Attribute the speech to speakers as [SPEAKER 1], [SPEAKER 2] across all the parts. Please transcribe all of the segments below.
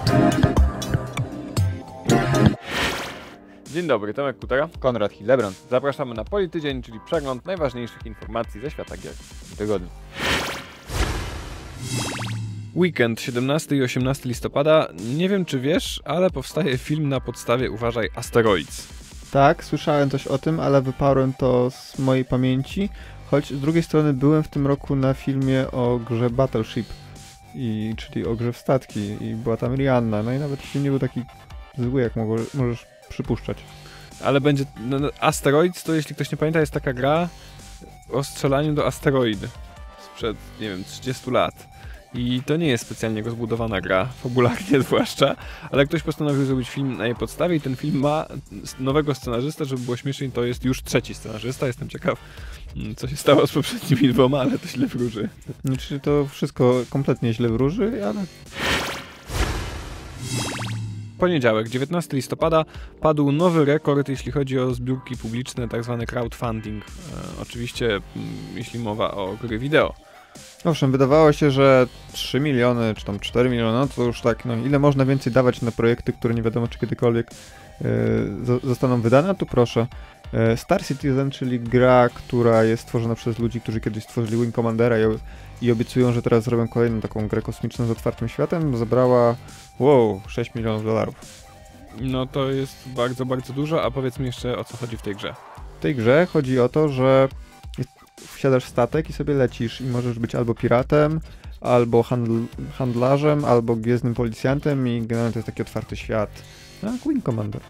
[SPEAKER 1] Dzień dobry, Tomek Kutera, Konrad Hildebrand. Zapraszamy na Politydzień, czyli przegląd najważniejszych informacji ze świata gier w tygodniu. Weekend 17 i 18 listopada. Nie wiem czy wiesz, ale powstaje film na podstawie, uważaj, Asteroids.
[SPEAKER 2] Tak, słyszałem coś o tym, ale wyparłem to z mojej pamięci, choć z drugiej strony byłem w tym roku na filmie o grze Battleship, czyli o grze w statki i była tam Rihanna, no i nawet film nie był taki zły, jak możesz przypuszczać.
[SPEAKER 1] Ale będzie... Asteroids to, jeśli ktoś nie pamięta, jest taka gra o strzelaniu do asteroidy sprzed, nie wiem, 30 lat. I to nie jest specjalnie rozbudowana gra, fabularnie zwłaszcza, ale ktoś postanowił zrobić film na jej podstawie i ten film ma nowego scenarzystę, żeby było śmieszniej, to jest już trzeci scenarzysta. Jestem ciekaw, co się stało z poprzednimi dwoma, ale to źle wróży.
[SPEAKER 2] Znaczy to wszystko kompletnie źle wróży, ale...
[SPEAKER 1] Poniedziałek, 19 listopada, padł nowy rekord, jeśli chodzi o zbiórki publiczne, tak zwany crowdfunding. Oczywiście, jeśli mowa o gry wideo.
[SPEAKER 2] Owszem, wydawało się, że 3 miliony, czy tam 4 miliony, no to już tak, no ile można więcej dawać na projekty, które nie wiadomo czy kiedykolwiek zostaną wydane, tu proszę. Star Citizen, czyli gra, która jest stworzona przez ludzi, którzy kiedyś stworzyli Wing Commandera i obiecują, że teraz zrobią kolejną taką grę kosmiczną z otwartym światem, zebrała, wow, 6 milionów dolarów.
[SPEAKER 1] No to jest bardzo, bardzo dużo, a powiedz mi jeszcze, o co chodzi w tej grze.
[SPEAKER 2] W tej grze chodzi o to, że wsiadasz w statek i sobie lecisz i możesz być albo piratem, albo handlarzem, albo gwiezdnym policjantem i generalnie to jest taki otwarty świat. No, jak Wing Commander.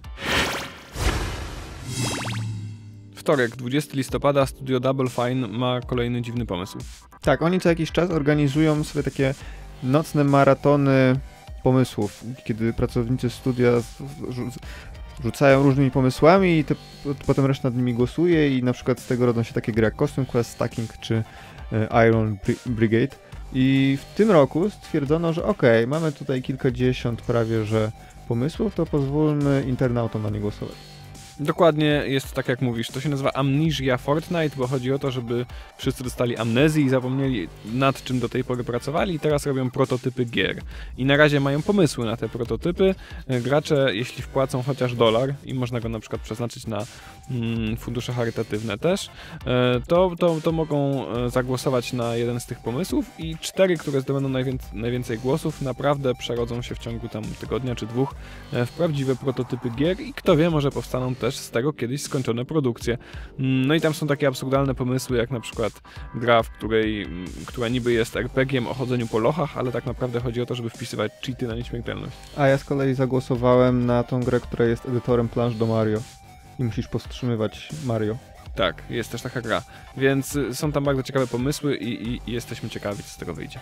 [SPEAKER 1] Wtorek, 20 listopada, studio Double Fine ma kolejny dziwny pomysł.
[SPEAKER 2] Tak, oni co jakiś czas organizują sobie takie nocne maratony pomysłów, kiedy pracownicy studia rzucają różnymi pomysłami i potem reszta nad nimi głosuje i na przykład z tego rodzą się takie gry jak Costume Quest, Stacking czy Iron Brigade. I w tym roku stwierdzono, że okej, mamy tutaj kilkadziesiąt prawie że pomysłów, to pozwólmy internautom na nie głosować.
[SPEAKER 1] Dokładnie jest tak jak mówisz, to się nazywa Amnesia Fortnite, bo chodzi o to, żeby wszyscy dostali amnezji i zapomnieli nad czym do tej pory pracowali i teraz robią prototypy gier. I na razie mają pomysły na te prototypy. Gracze, jeśli wpłacą chociaż $, i można go na przykład przeznaczyć na fundusze charytatywne też, to mogą zagłosować na jeden z tych pomysłów i 4, które zdobędą najwięcej głosów, naprawdę przerodzą się w ciągu tam tygodnia czy 2 w prawdziwe prototypy gier i kto wie, może powstaną też z tego kiedyś skończone produkcje. No i tam są takie absurdalne pomysły, jak na przykład gra, która niby jest RPG-iem o chodzeniu po lochach, ale tak naprawdę chodzi o to, żeby wpisywać cheaty na nieśmiertelność.
[SPEAKER 2] A ja z kolei zagłosowałem na tą grę, która jest edytorem plansz do Mario i musisz powstrzymywać Mario.
[SPEAKER 1] Tak, jest też taka gra. Więc są tam bardzo ciekawe pomysły i jesteśmy ciekawi, co z tego wyjdzie.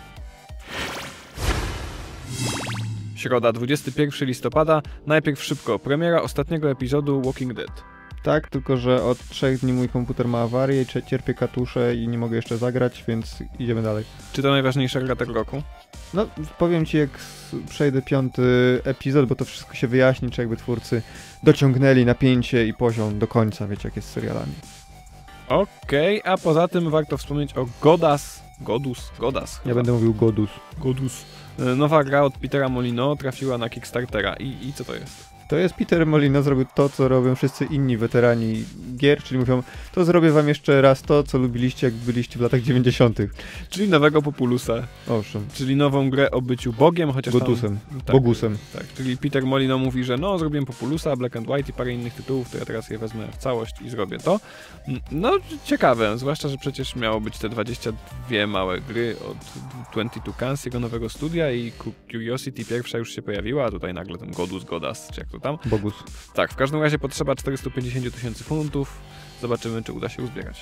[SPEAKER 1] Środa, 21 listopada. Najpierw szybko. Premiera ostatniego epizodu Walking Dead.
[SPEAKER 2] Tak, tylko że od 3 dni mój komputer ma awarię i cierpię katusze i nie mogę jeszcze zagrać, więc idziemy dalej.
[SPEAKER 1] Czy to najważniejsza gra tego roku?
[SPEAKER 2] No, powiem ci, jak przejdę 5. epizod, bo to wszystko się wyjaśni, czy jakby twórcy dociągnęli napięcie i poziom do końca, wiecie, jak jest z serialami.
[SPEAKER 1] Okej, a poza tym warto wspomnieć o Godus.
[SPEAKER 2] Ja będę mówił
[SPEAKER 1] Godus. Nowa gra od Petera Molyneux trafiła na Kickstartera. I co to jest?
[SPEAKER 2] To jest Peter Molyneux, zrobił to, co robią wszyscy inni weterani gier, czyli mówią, to zrobię wam jeszcze raz to, co lubiliście, jak byliście w latach 90.
[SPEAKER 1] Czyli nowego Populusa.
[SPEAKER 2] Owszem.
[SPEAKER 1] Czyli nową grę o byciu Bogiem, chociaż
[SPEAKER 2] Godusem.
[SPEAKER 1] Tak,
[SPEAKER 2] Bogusem.
[SPEAKER 1] Tak, czyli Peter Molyneux mówi, że no, zrobiłem Populusa, Black and White i parę innych tytułów, to ja teraz je wezmę w całość i zrobię to. No, ciekawe, zwłaszcza, że przecież miało być te 22 małe gry od 22 Cans, jego nowego studia i Curiosity pierwsza już się pojawiła, a tutaj nagle ten Godus, czy jak to tam.
[SPEAKER 2] Bogus.
[SPEAKER 1] Tak, w każdym razie potrzeba 450 000 funtów. Zobaczymy, czy uda się uzbierać.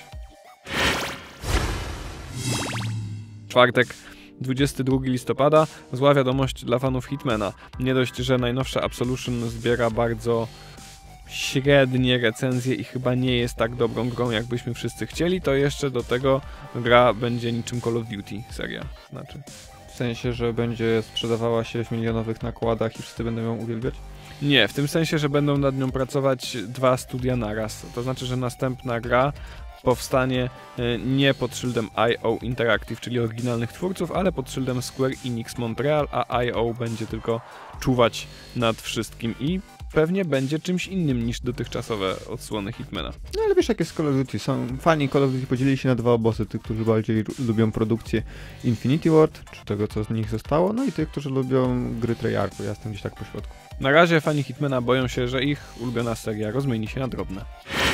[SPEAKER 1] Czwartek, 22 listopada. Zła wiadomość dla fanów Hitmana. Nie dość, że najnowsza Absolution zbiera bardzo średnie recenzje i chyba nie jest tak dobrą grą, jakbyśmy wszyscy chcieli, to jeszcze do tego gra będzie niczym Call of Duty, seria. Znaczy.
[SPEAKER 2] W sensie, że będzie sprzedawała się w milionowych nakładach i wszyscy będą ją uwielbiać?
[SPEAKER 1] Nie, w tym sensie, że będą nad nią pracować 2 studia naraz. To znaczy, że następna gra powstanie nie pod szyldem IO Interactive, czyli oryginalnych twórców, ale pod szyldem Square Enix Montreal, a IO będzie tylko czuwać nad wszystkim i pewnie będzie czymś innym niż dotychczasowe odsłony Hitmana.
[SPEAKER 2] No ale wiesz, jak jest Call of Duty. Fani Call of Duty podzielili się na dwa obozy. Tych, którzy bardziej lubią produkcję Infinity Ward, czy tego, co z nich zostało, no i tych, którzy lubią gry Treyarchu. Ja jestem gdzieś tak po środku.
[SPEAKER 1] Na razie fani Hitmana boją się, że ich ulubiona seria rozmieni się na drobne.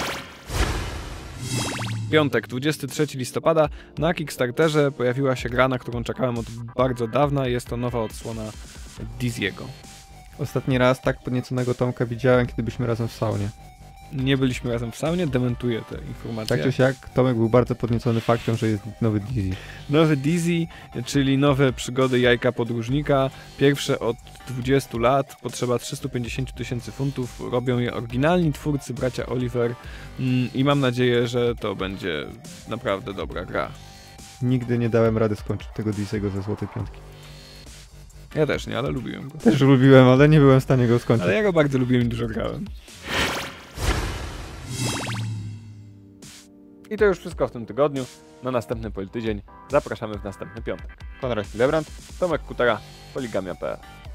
[SPEAKER 1] Piątek, 23 listopada, na Kickstarterze pojawiła się gra, na którą czekałem od bardzo dawna. Jest to nowa odsłona Dizzy'ego.
[SPEAKER 2] Ostatni raz tak podnieconego Tomka widziałem, kiedy byliśmy razem w saunie.
[SPEAKER 1] Nie byliśmy razem w saunie, dementuję te informacje.
[SPEAKER 2] Tak czy siak, Tomek był bardzo podniecony faktem, że jest nowy Dizzy.
[SPEAKER 1] Nowy Dizzy, czyli nowe przygody jajka podróżnika. Pierwsze od 20 lat, potrzeba 350 000 funtów. Robią je oryginalni twórcy, bracia Oliver i mam nadzieję, że to będzie naprawdę dobra gra.
[SPEAKER 2] Nigdy nie dałem rady skończyć tego Dizzy'ego ze Złotej Piątki.
[SPEAKER 1] Ja też nie, ale lubiłem go.
[SPEAKER 2] Też lubiłem, ale nie byłem w stanie go skończyć.
[SPEAKER 1] Ale ja go bardzo lubiłem i dużo grałem. I to już wszystko w tym tygodniu. Na następny Politydzień zapraszamy w następny piątek.
[SPEAKER 2] Konrad Lebrand.
[SPEAKER 1] Tomek Kutara, Poligamia.pl